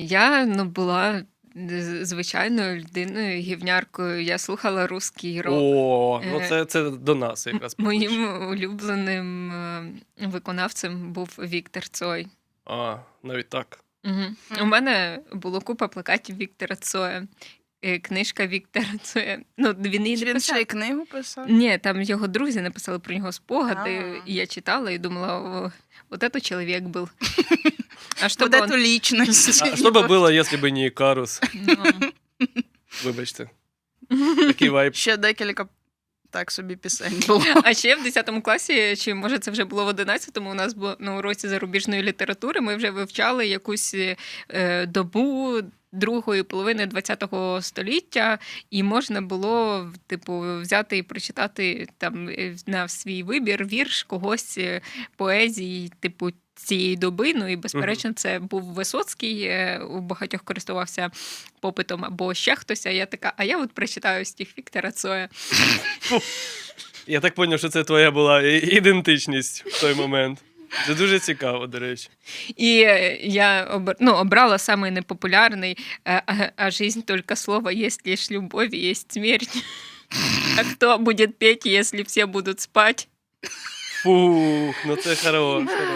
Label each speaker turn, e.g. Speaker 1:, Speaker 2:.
Speaker 1: Я була звичайною людиною, гівняркою. Я слухала русський рок.
Speaker 2: О,
Speaker 1: Е,
Speaker 2: це до нас якраз.
Speaker 1: Моїм улюбленим виконавцем був Віктор Цой.
Speaker 2: Навіть так.
Speaker 1: Угу. У мене було купа плакатів Віктора Цоя. Книжка Віктора Цоя. Він її не
Speaker 3: Він
Speaker 1: писав.
Speaker 3: ще й книгу писав?
Speaker 1: Ні, там його друзі написали про нього спогади,
Speaker 3: А.
Speaker 1: і я читала і думала, вот это чоловік був. А
Speaker 3: Вот эту личность.
Speaker 2: А що би було, якщо б не Ікарус? Вибачте. Такий вайб.
Speaker 3: Ще декілька так собі пісень було.
Speaker 1: А ще в 10 класі, чи може це вже було в 11-му, у нас було на уроці зарубіжної літератури, ми вже вивчали якусь добу другої половини ХХ століття, і можна було, взяти і прочитати там на свій вибір вірш когось поезії, цієї доби. І, безперечно, це був Висоцький, у багатьох користувався попитом, або ще хтось, а я така, а я прочитаю стих Віктора Цоя.
Speaker 2: Я так зрозумів, що це твоя була ідентичність в той момент. Це дуже цікаво, до речі.
Speaker 1: І я обрала самий непопулярний, а жизнь только слово, есть лишь любовь, есть смерть. А кто будет петь, если все будут спать?
Speaker 2: Фух, це хорош.